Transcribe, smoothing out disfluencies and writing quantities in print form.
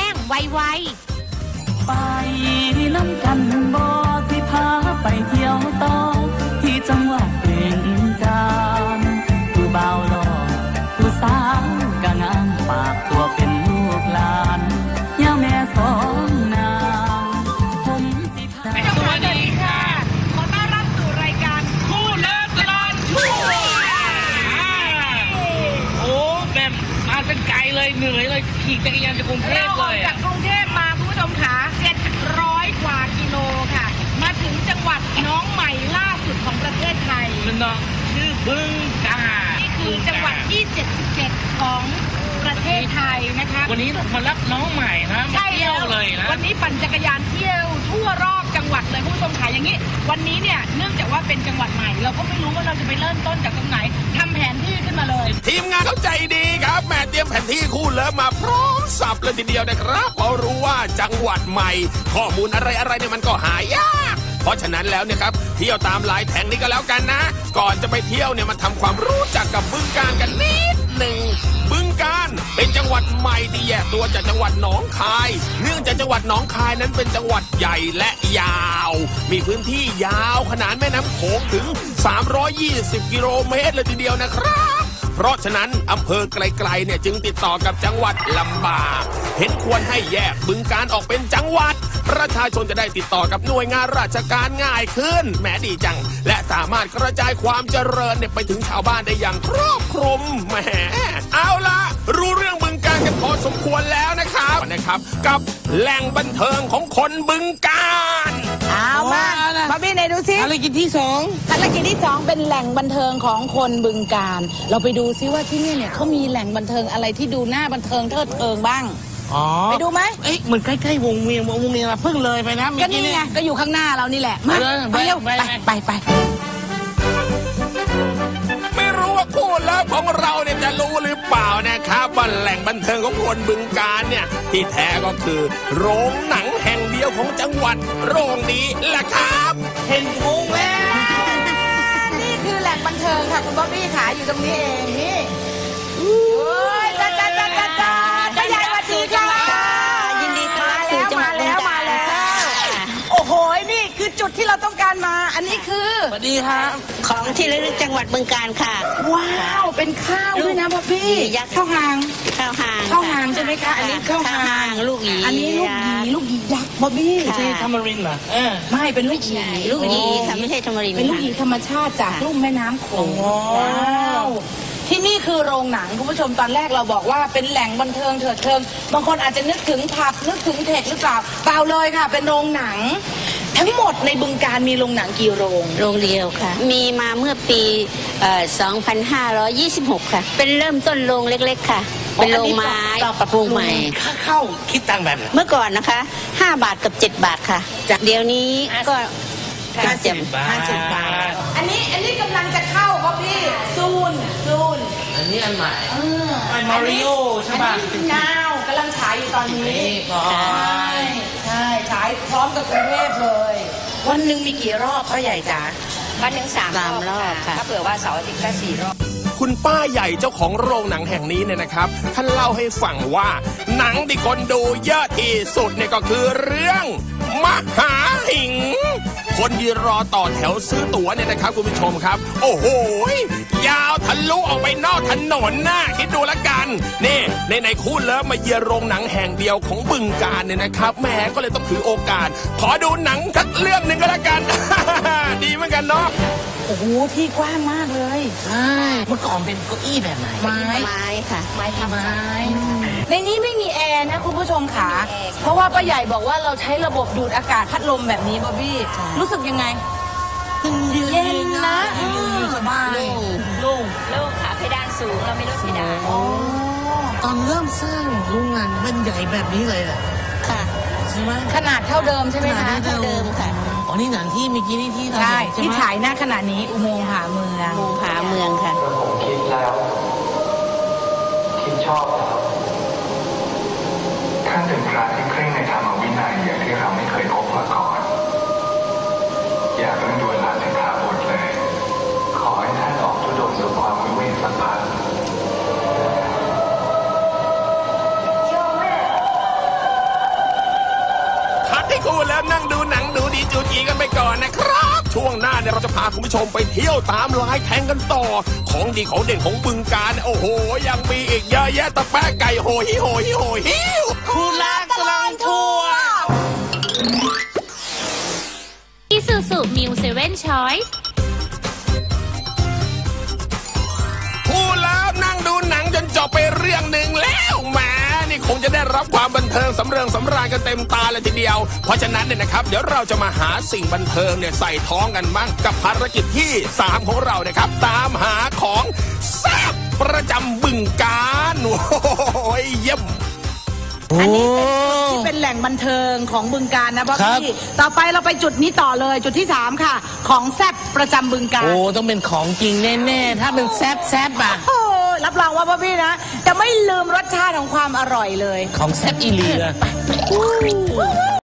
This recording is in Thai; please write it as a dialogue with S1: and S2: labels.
S1: งไวๆ
S2: ไปน้ำกันบ่สิพาไปเที่ยวต่อที่จังหวัดบึงกาฬผู้บ่าวหล่อผู้สาวก็งามฝากตัวเป็นลูกหลานย่าแม่สองนางผมสิพา
S3: สวัสดีค่ะขอต้อนรับสู่รายการคู่เลิฟตลอดชั่วโอ้แบบมาเป็นไกลเลยเหนื่อยเลยขี่จักรยานจากกรุงเทพเลยจากกรุงเทพมาคุณผู้ชมขา700 กว่ากิโลค่ะมาถึงจังหวัดน้องใหม่ล่าสุดของประเทศไทยน้องชื่อบึงกาฬนี่คือจังหวัดที่77ของประเทศไทยนะคะวันนี้มารับน้องใหม่นะมาเที่ยวเลยนะวันนี้ปั่นจักรยานเที่ยวทั่วรอบจังหวัดเลยคุณผู้ชมขาอย่างนี้วันนี้เนี่ยเนื่องจากว่าเป็นจังหวัดใหม่เราก็ไม่รู้ว่าเราจะไปเริ่มต้นจากตรงไหนทำแผนที่ขึ้นมาเลย
S4: ทีมงานเข้าใจดีครับแม่เตรียมแผนที่คู่เลิฟมาพร้อมสับเลยทีเดียวนะครับเพราะรู้ว่าจังหวัดใหม่ข้อมูลอะไรเนี่ยมันก็หายากเพราะฉะนั้นแล้วเนี่ยครับเที่ยวตามหลายแห่งนี้ก็แล้วกันนะก่อนจะไปเที่ยวเนี่ยมาทำความรู้จักกับบึงกาฬกันนิดหนึ่งบึงกาฬเป็นจังหวัดใหม่ที่แยกตัวจากจังหวัดหนองคายเนื่องจากจังหวัดหนองคายนั้นเป็นจังหวัดใหญ่และยาวมีพื้นที่ยาวขนานแม่น้ำโขงถึง320 กิโลเมตรเลยทีเดียวนะครับเพราะฉะนั้นอำเภอไกลๆเนี่ยจึงติดต่อกับจังหวัดลำบากเห็นควรให้แยกบึงกาฬออกเป็นจังหวัดประชาชนจะได้ติดต่อกับหน่วยงานราชการง่ายขึ้นแหมดีจังและสามารถกระจายความเจริญเนี่ยไปถึงชาวบ้านได้อย่างครอบคลุมแหมเอาล่ะรู้เรื่องบึงกาฬกันพอสมควรแล้วนะครับกับแหล่งบันเทิงของคนบึงกาฬ
S5: เอามาบ๊อบบี้ไหนดูซิ
S3: ภารกิจที่
S5: 2เป็นแหล่งบันเทิงของคนบึงกาฬเราไปดูซิว่าที่นี่เนี่ยเขามีแหล่งบันเทิงอะไรที่ดูน่าบันเทิงเทิดเทิงบ้างไปดูไหม
S3: เหมือนใกล้ๆวงเวียนเราเพิ่งเลยไปนะ
S5: ก็นี่ไงก็อยู่ข้างหน้าเรานี่แหละมาไปเร็วไป
S4: ไม่รู้ว่าคู่เลิฟของเราเนี่ยจะรู้หรือเปล่านะครับว่าแหล่งบันเทิงของคนบึงกาฬเนี่ยที่แท้ก็คือโรงหนังแห่งเดียวของจังหวัดโรงนี้แหละครับ
S3: เห็นวงแล้ว
S5: นี่คือแหล่งบันเทิงค่ะคุณบ๊อบบี้ขาอยู่ตรงนี้เองนี่จ้าป้าใหญ่สวัสดีค่ะ
S1: ยินดีต้อนรับสู่จังหวัดบึงกาฬ
S5: โอ้โหนี่คือจุดที่เราต้องการมาอันนี้คือ
S3: สวัสดีครับ
S1: ของที่ระลึกจังหวัดบึงกาฬค่ะ
S5: ว้าวเป็นข้าวด้วยนะบ๊อบบี้ข้าวหางใช่ไหมคะอันนี้ข้าวหาง
S1: ลูกหยี
S5: อันนี้ลูกหยียักษ์บ๊อบบี้
S3: ใช่ธรรมรินทร์เหรอ
S5: ไม่เป็นลูกหยี
S1: ค่ะไม่ใช่ธรรมรินทร์
S5: เป็นลูกหยีธรรมชาติจากลุ่มแม่น้ำโขงว้าวที่นี่คือโรงหนังคุณผู้ชมตอนแรกเราบอกว่าเป็นแหล่งบันเทิงเถิดเทิงบางคนอาจจะนึกถึงผับนึกถึงเทคหรือเปล่าเปล่าเลยค่ะเป็นโรงหนังทั้งหมดในบึงกาฬมีโรงหนังกี่โรง
S1: เดียวค่ะมีมาเมื่อปี2526ค่ะเป็นเริ่มต้นโรงเล็กๆค่ะเป็นโรงไม้ปรับปรุงใหม่
S3: เข้าคิดตังค์แบบ
S1: เมื่อก่อนนะคะ5 บาทกับ7 บาทค่ะจากเดี๋ยวนี้ก็
S3: 50 บาท
S5: อันนี้กำลังจะเข้าครับพี่ซูน
S3: อันนี้อันใหม่มาริโอใช่ป่ะ
S5: นาวกำลังฉายอยู่ตอนนี้ใช่ฉายพร้อมกับกรุงเทพเลยวันหนึ่งมีกี่รอบพ่อใหญ่จ๋า
S1: วันหนึ่ง3 รอบค่ะถ้าเผื่อว่าเสาร์อาทิตย์ก็4 รอบ
S4: คุณป้าใหญ่เจ้าของโรงหนังแห่งนี้เนี่ยนะครับท่านเล่าให้ฟังว่าหนังที่คนดูเยอะที่สุดเนี่ยก็คือเรื่องมหาหิงคนยืนรอต่อแถวซื้อตั๋วเนี่ยนะครับคุณผู้ชมครับโอ้โหยาวทะลุออกไปนอกถนนน่ะคิดดูละกันนี่ในคู่เลิฟมาเยือนโรงหนังแห่งเดียวของบึงกาฬเนี่ยนะครับแม่ก็เลยต้องถือโอกาสขอดูหนังสักเรื่องหนึ่งก็แล้วกัน ดีเหมือนกันเนาะ
S5: โอ้โหที่กว้างมากเลย
S3: ใช่เมื่อก่อนเป็นเก้าอี้แบบไหน
S1: ไม้ค่ะไม้
S5: ในนี้ไม่มีแอร์นะคุณผู้ชมค่ะเพราะว่าป้าใหญ่บอกว่าเราใช้ระบบดูดอากาศพัดลมแบบนี้บ๊อบบี้รู้สึกยังไงเย็นนะ
S3: สบาย
S1: โล่งค่ะเพดานสูงเราไม่ลดเพดาน
S3: ตอนเริ่มสร้างโรงงานมันใหญ่แบบนี้เลยแหละ
S1: ค่ะ
S3: ใช่ไหม
S5: ขนาดเท่าเดิมใช่ไหมคะ
S1: เท่าเดิมค่ะ
S3: อ๋อนี่หนังที่เมื่อกี้นี่ที่
S5: ใช่ที่ฉายหน้าขณะนี้อุโมงค์ผาเมือง
S1: ค่ะ
S6: ผมคิดแล้วคิดชอบท่านเป็นพระที่เคร่งในธรรมวินัยอย่างที่เราไม่เคยพบมาก่อนอย่าเพิ่งด่วนละสิกขาบทเลยขอให้ท่านออกธุดงค์สู่ความวิเวกสักพัก
S4: พักให้คู่แล้วนั่งดูหนังดูดีจูจีกันไปก่อนนะครับช่วงหน้าเนี่ยเราจะพาคุณผู้ชมไปเที่ยวตามลายแทงกันต่อของดีของเด่นของบึงกาฬโอ้โหยังมีอีกเยอะแยะตะแปะไก่โหฮิโหฮิโหฮิวคู่รักตลอดทัวร์
S7: Isuzu Mu 7 Choice
S4: พูดแล้วนั่งดูหนังจนจบไปเรื่องหนึ่งแล้วแหมนี่คงจะได้รับความบันเทิงสำราญกันเต็มตาเลยทีเดียวเพราะฉะนั้นเนี่ยนะครับเดี๋ยวเราจะมาหาสิ่งบันเทิงเนี่ยใส่ท้องกันบ้างกับภารกิจที่3ของเรานะครับตามหาของแซ่บประจำบึงกาฬโอ้ยเยี่ยม
S5: อันนี้เป็นแหล่งบันเทิงของบึงกาฬนะพ่อพี่ต่อไปเราไปจุดนี้ต่อเลยจุดที่3ค่ะของแซ่บประจำบึงกาฬ
S2: โอ้ต้องเป็นของจริงแน่ๆถ้าเป็นแซ่บอ่ะ
S5: โอ้รับรองว่าพ่อพี่นะจะไม่ลืมรสชาติของความอร่อยเลย
S2: ของแซ่บอีเลีย